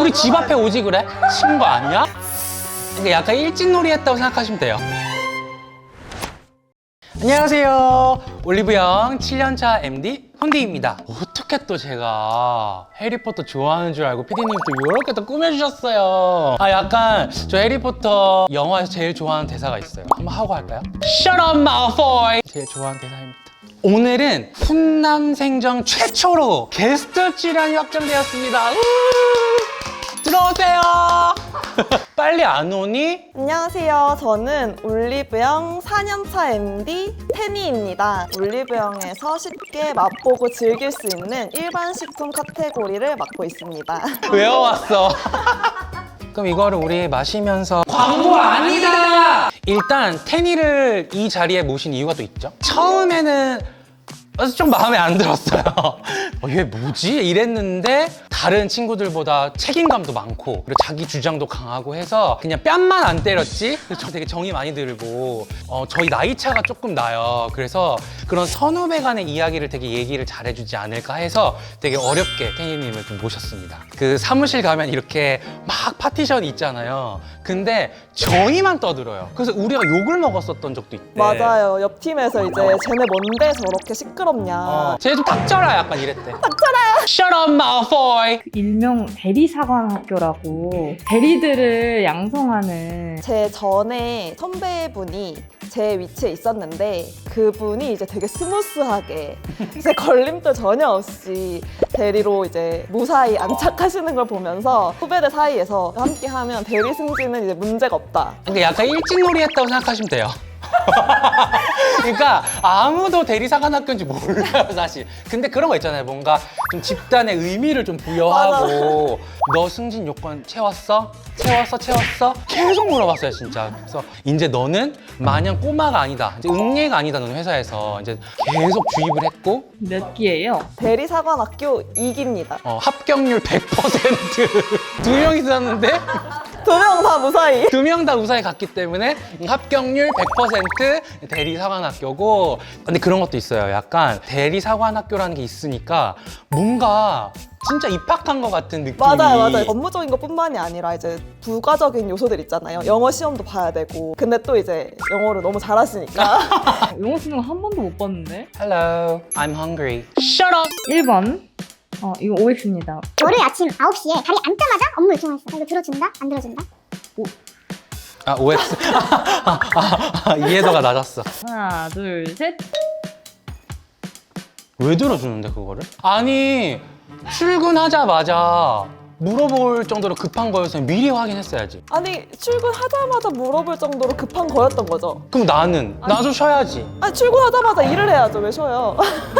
우리 집 앞에 오지 그래? 친거 아니야? 그러니까 약간 일진놀이 했다고 생각하시면 돼요. 안녕하세요. 올리브영 7년차 MD 헌디입니다. 어떻게 또 제가 해리포터 좋아하는 줄 알고 피디님 또 이렇게 또 꾸며주셨어요. 약간 저 해리포터 영화에서 제일 좋아하는 대사가 있어요. 한번 하고 할까요? Shut up, Malfoy! 제일 좋아하는 대사입니다. 오늘은 훈남생전 최초로 게스트 출연이 확정되었습니다. 들어오세요. 빨리 안 오니? 안녕하세요. 저는 올리브영 4년차 MD 테니입니다. 올리브영에서 쉽게 맛보고 즐길 수 있는 일반 식품 카테고리를 맡고 있습니다. 외워왔어. 그럼 이거를 우리 마시면서 광고 아니다! 일단 테니를 이 자리에 모신 이유가 또 있죠. 처음에는 좀 마음에 안 들었어요. 얘 뭐지? 이랬는데 다른 친구들보다 책임감도 많고 그리고 자기 주장도 강하고 해서 그냥 뺨만 안 때렸지? 그래서 저 되게 정이 많이 들고 저희 나이 차가 조금 나요. 그래서 그런 선후배 간의 이야기를 되게 얘기를 잘해주지 않을까 해서 되게 어렵게 테니님을 좀 모셨습니다. 그 사무실 가면 이렇게 막 파티션이 있잖아요. 근데 저희만 떠들어요. 그래서 우리가 욕을 먹었었던 적도 있대. 맞아요. 옆 팀에서 이제 쟤네 뭔데 저렇게 시끄럽냐. 쟤 좀 닥쳐라 약간 이랬대. 닥쳐라! Shut up, Malfoy! 일명 대리사관학교라고 대리들을 양성하는 제 전에 선배분이 제 위치에 있었는데 그분이 이제 되게 스무스하게 이제 걸림돌 전혀 없이 대리로 이제 무사히 안착하시는 걸 보면서 후배들 사이에서 함께 하면 대리 승진은 이제 문제가 없다. 그러니까 약간 일진놀이 했다고 생각하시면 돼요. 그러니까 아무도 대리사관학교인지 몰라요 사실. 근데 그런 거 있잖아요. 뭔가 좀 집단의 의미를 좀 부여하고 너 승진 요건 채웠어? 채웠어? 계속 물어봤어요 진짜. 그래서 이제 너는 마냥 꼬마가 아니다, 이제 응애가 아니다. 너는 회사에서 이제 계속 주입을 했고 몇 기예요? 대리사관학교 2기입니다. 합격률 100%. 두 명 있었는데 2명 다 무사히. 두 명 다 무사히 갔기 때문에 합격률 100% 대리사관학교고. 근데 그런 것도 있어요. 약간 대리사관학교라는 게 있으니까 뭔가 진짜 입학한 것 같은 느낌이. 맞아요. 업무적인 것뿐만이 아니라 이제 부가적인 요소들 있잖아요. 영어 시험도 봐야 되고. 근데 또 이제 영어를 너무 잘하시니까. 영어 쓰는 거 한 번도 못 봤는데? Hello, I'm hungry. Shut up! 1번 이거 OX입니다. 월요일 아침 9시에 다리 앉자마자 업무 요청했어. 이거 들어준다? 안 들어준다? OX. 이해도가 낮았어. 하나 둘 셋. 왜 들어주는데 그거를? 아니 출근하자마자 물어볼 정도로 급한 거였으면 미리 확인했어야지. 아니 출근하자마자 물어볼 정도로 급한 거였던 거죠. 그럼 나도 쉬어야지. 아니 출근하자마자 일을 해야죠. 왜 쉬어요?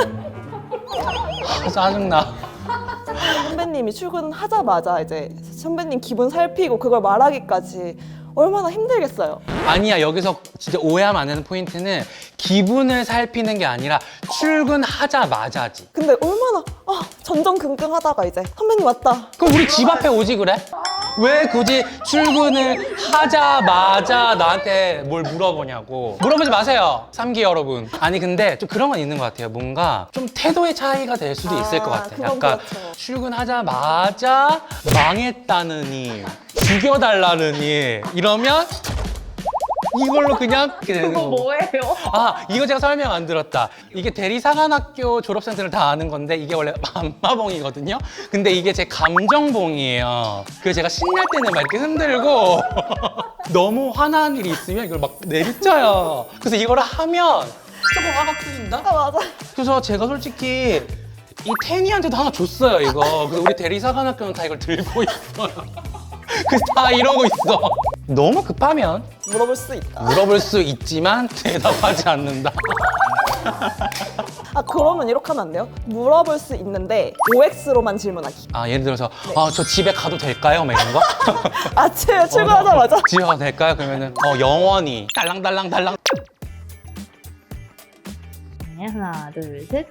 짜증나. 선배님이 출근하자마자 이제 선배님 기분 살피고 그걸 말하기까지 얼마나 힘들겠어요. 아니야, 여기서 진짜 오해하면 안 되는 포인트는 기분을 살피는 게 아니라 출근하자마자지. 근데 얼마나 전전긍긍하다가 이제 선배님 왔다. 그럼 우리 집 앞에 오지 그래? 왜 굳이 출근을 하자마자 나한테 뭘 물어보냐고. 물어보지 마세요, 3기 여러분. 아니 근데 좀 그런 건 있는 것 같아요. 뭔가 좀 태도의 차이가 될 수도 있을 것 같아요. 그건 약간 그렇죠. 출근하자마자 망했다느니 죽여달라느니 이러면 이걸로 그냥 이렇게 되는 그거 거고. 뭐예요? 이거 제가 설명 안 들었다. 이게 대리사관학교 졸업생들은 다 아는 건데 이게 원래 안마봉이거든요. 근데 이게 제 감정봉이에요. 그래서 제가 신날 때는 막 이렇게 흔들고 너무 화난 일이 있으면 이걸 막 내리쳐요. 그래서 이걸 하면 조금 화가 풀린다? 맞아. 그래서 제가 솔직히 이 테니한테도 하나 줬어요, 이거. 그래서 우리 대리사관학교는 다 이걸 들고 있어요. 그래서 다 이러고 있어. 너무 급하면 물어볼 수 있다. 물어볼 수 있지만 대답하지 않는다. 그러면 이렇게 하면 안 돼요? 물어볼 수 있는데 OX로만 질문하기. 예를 들어서 저 집에 가도 될까요? 막 이런 거? 아침에 출근하자마자. 집에 가도 될까요? 그러면은 영원히 달랑달랑달랑. 네, 하나 둘 셋.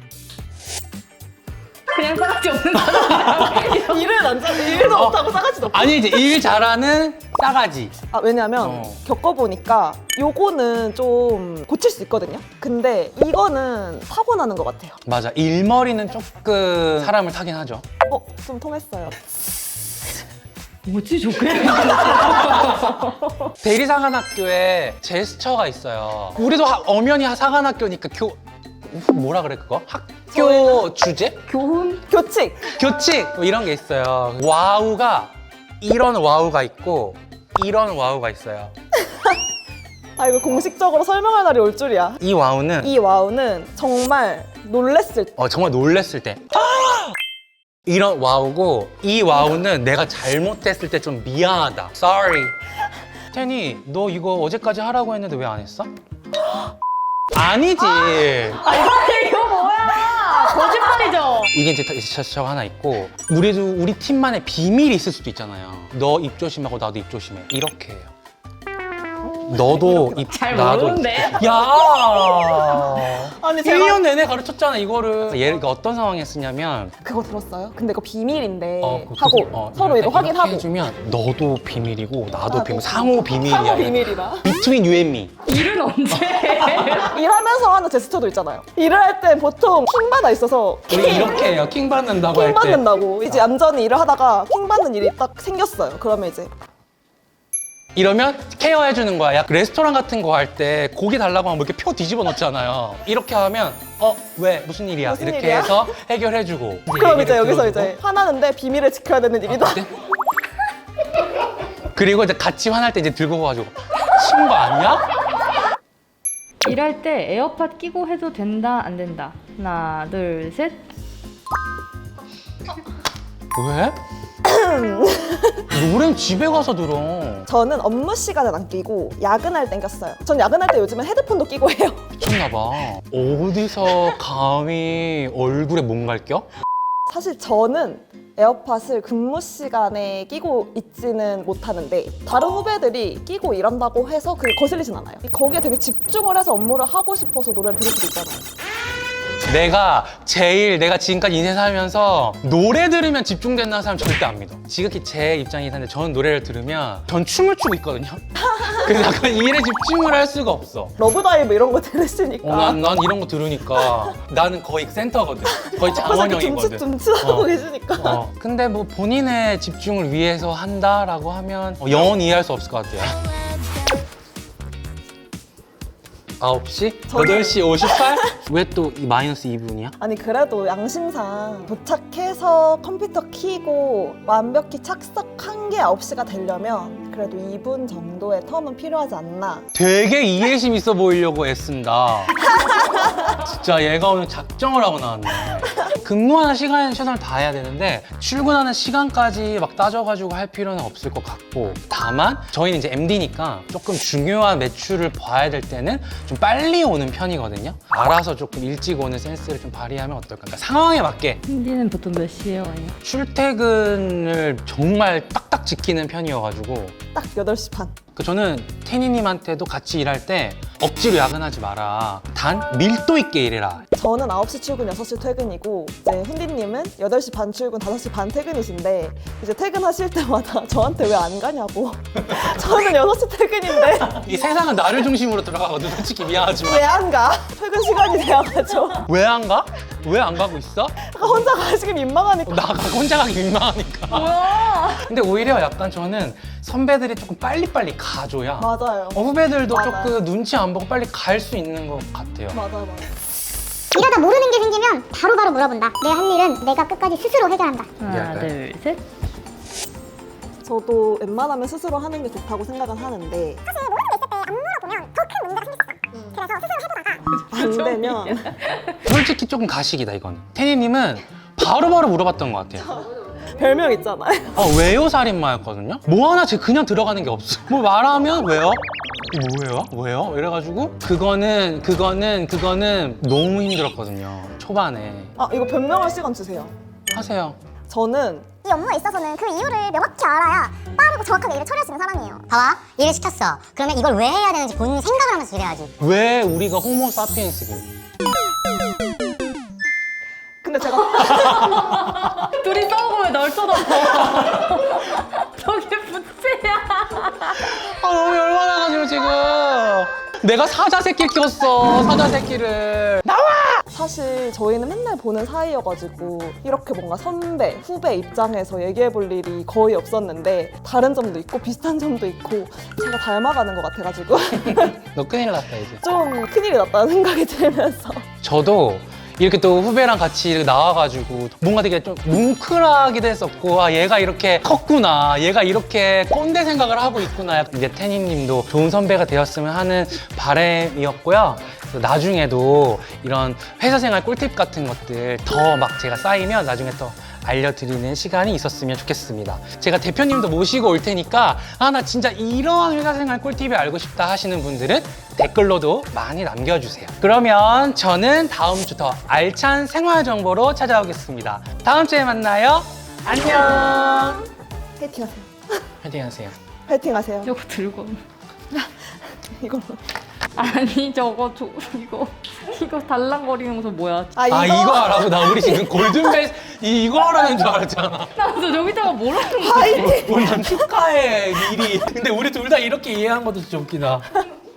그냥 싸가지 없는 사람. 일도 못하고 싸가지도 없고. 아니 이제 일 잘하는 싸가지. 왜냐면 겪어보니까 요거는 좀 고칠 수 있거든요. 근데 이거는 타고나는 것 같아요. 맞아, 일머리는 조금 사람을 타긴 하죠. 좀 통했어요. 뭐지 저게? 대리사관학교에 제스처가 있어요. 우리도 엄연히 사관학교니까 뭐라 그래 그거? 학교 주제? 교훈? 교칙. 교칙 뭐 이런 게 있어요. 와우가 이런 와우가 있고 이런 와우가 있어요. 아 이거 공식적으로 설명할 날이 올 줄이야. 이 와우는 이 와우는 정말 놀랬을 때. 정말 놀랬을 때 이런 와우고, 이 와우는 내가 잘못했을 때 좀 미안하다. Sorry. 테니, 너 이거 어제까지 하라고 했는데 왜 안 했어? 아니지. 이거 뭐야? 거짓말이죠? 이게 이제 제스처가 하나 있고, 우리 팀만의 비밀이 있을 수도 있잖아요. 너 입 조심하고 나도 입 조심해. 이렇게 해요. 너도 입, 잘 나도 모르는데? 입. 야! 아니 1년 내내 가르쳤잖아, 이거를. 얘를 어떤 상황에 쓰냐면, 그거 들었어요? 근데 이거 비밀인데 하고 서로 이거 이렇게 확인하고 해주면 너도 비밀이고 나도 나도. 비밀, 상호 비밀이야. 상호 비밀이라. Between you and me. 일은 언제? 일하면서 하는 제스처도 있잖아요. 일을 할 땐 보통 킹받아 있어서 우리 이렇게 해요. 킹 받는다고 할 킹 때. 받는다고. 이제 얌전히 일을 하다가 킹 받는 일이 딱 생겼어요. 그러면 이제 이러면 케어해주는 거야. 야, 레스토랑 같은 거 할 때 고기 달라고 하면 뭐 이렇게 표 뒤집어 놓잖아요. 이렇게 하면 왜? 무슨 일이야? 무슨 이렇게 일이야? 해서 해결해주고. 그럼 이제 얘기를 여기서 들어주고. 이제 화나는데 비밀을 지켜야 되는 일이다. 네? 그리고 이제 같이 화날 때 이제 들고 가가지고 친구 아니야? 일할 때 에어팟 끼고 해도 된다 안 된다. 하나 둘 셋. 왜? 노래는 집에 가서 들어. 저는 업무 시간은 안 끼고 야근할 땐 꼈어요. 전 야근할 때 요즘엔 헤드폰도 끼고 해요. 미쳤나봐. 어디서 감히 얼굴에 뭔가를 껴? 사실 저는 에어팟을 근무 시간에 끼고 있지는 못하는데 다른 후배들이 끼고 일한다고 해서 그게 거슬리진 않아요. 거기에 되게 집중을 해서 업무를 하고 싶어서 노래를 들을 수도 있잖아요. 내가 지금까지 인생 살면서 노래 들으면 집중된다는 사람 절대 안 믿어. 지극히 제 입장이긴 한데 저는 노래를 들으면 전 춤을 추고 있거든요. 그래서 약간 일에 집중을 할 수가 없어. 러브다이브 이런 거 들으시니까 난 이런 거 들으니까 나는 거의 센터거든. 거의 장원영이거든. 둠칫하고 계시니까. 근데 뭐 본인의 집중을 위해서 한다라고 하면 영원히 이해할 수 없을 것 같아요. 9시? 8시 58? 왜 또 마이너스 2분이야? 아니 그래도 양심상 도착해서 컴퓨터 켜고 완벽히 착석한 게 9시가 되려면 그래도 2분 정도의 텀은 필요하지 않나. 되게 이해심 있어 보이려고 애쓴다. 진짜 얘가 오늘 작정을 하고 나왔네. 근무하는 시간에 최선을 다해야 되는데 출근하는 시간까지 막 따져가지고 할 필요는 없을 것 같고, 다만 저희는 이제 MD니까 조금 중요한 매출을 봐야 될 때는 좀 빨리 오는 편이거든요. 알아서 조금 일찍 오는 센스를 좀 발휘하면 어떨까. 그러니까 상황에 맞게 힌디는 보통 몇 시에 와요? 출퇴근을 정말 딱딱 지키는 편이어가지고, 딱 8시 반. 저는 태니님한테도 같이 일할 때 억지로 야근하지 마라. 단 밀도 있게 일해라. 저는 9시 출근, 6시 퇴근이고 이제 훈디님은 8시 반 출근, 5시 반 퇴근이신데 이제 퇴근하실 때마다 저한테 왜 안 가냐고. 저는 6시 퇴근인데 이 세상은 나를 중심으로 돌아가거든. 솔직히 미안하지만. 왜 안 가? 퇴근 시간이 돼야 가죠. 왜 안 가? 왜 안 가고 있어? 혼자 가시기 민망하니까. 나 혼자 가기 민망하니까. 뭐야? 근데 오히려 약간 저는 선배들이 조금 빨리빨리 가줘야 맞아요. 후배들도 맞아요. 조금 눈치 안 보고 빨리 갈 수 있는 것 같아요. 맞아요. 이러다 모르는 게 생기면 바로바로 물어본다. 내 할 일은 내가 끝까지 스스로 해결한다. 하나 얘기할까요? 둘 셋. 저도 웬만하면 스스로 하는 게 좋다고 생각은 하는데 사실 모르는 게 있을 때 안 물어보면 더 큰 문제가 생겼어. 그래서 스스로 해보다가 안 되면 솔직히 조금 가식이다 이건. 태니님은 바로바로 물어봤던 것 같아요. 별명 있잖아요. 왜요 살인마였거든요? 뭐 하나 제가 그냥 들어가는 게 없어. 뭐 말하면 왜요? 뭐예요? 왜요? 이래가지고 그거는 너무 힘들었거든요. 초반에. 아 이거 변명할 시간 주세요. 하세요. 저는 이 업무에 있어서는 그 이유를 명확히 알아야 빠르고 정확하게 일을 처리할 수 있는 사람이에요. 봐봐, 일을 시켰어. 그러면 이걸 왜 해야 되는지 본인 생각을 하면서 일해야지. 왜 우리가 호모 사피엔스고? 근데 제가 둘이 싸우고 왜 널 쳐다봐? 저게 부채야. 너무 열받아가지고 지금 내가 사자 새끼를 키웠어. 사자 새끼를. 사실 저희는 맨날 보는 사이여가지고 이렇게 뭔가 선배, 후배 입장에서 얘기해 볼 일이 거의 없었는데 다른 점도 있고 비슷한 점도 있고 제가 닮아가는 것 같아가지고 너 큰일 났다 이제. 좀 큰일이 났다는 생각이 들면서 저도 이렇게 또 후배랑 같이 이렇게 나와가지고 뭔가 되게 좀 뭉클하기도 했었고, 아 얘가 이렇게 컸구나, 얘가 이렇게 꼰대 생각을 하고 있구나. 이제 태니님도 좋은 선배가 되었으면 하는 바람이었고요. 그래서 나중에도 이런 회사 생활 꿀팁 같은 것들 더 막 제가 쌓이면 나중에 또 알려드리는 시간이 있었으면 좋겠습니다. 제가 대표님도 모시고 올 테니까 아 나 진짜 이러한 회사 생활 꿀팁이 알고 싶다 하시는 분들은 댓글로도 많이 남겨주세요. 그러면 저는 다음 주 더 알찬 생활 정보로 찾아오겠습니다. 다음 주에 만나요. 안녕. 파이팅 하세요. 파이팅 하세요. 파이팅 하세요. 저거 들고. 이걸로. 아니 저거 이거 달랑거리는 거 뭐야? 아 이거 하라고? 나 우리 지금 골든벨 이거 하라는 줄 알았잖아. 나도 저기다가 뭐라는 거야? 난 축하해 미리. 근데 우리 둘 다 이렇게 이해한 것도 진짜 웃기다.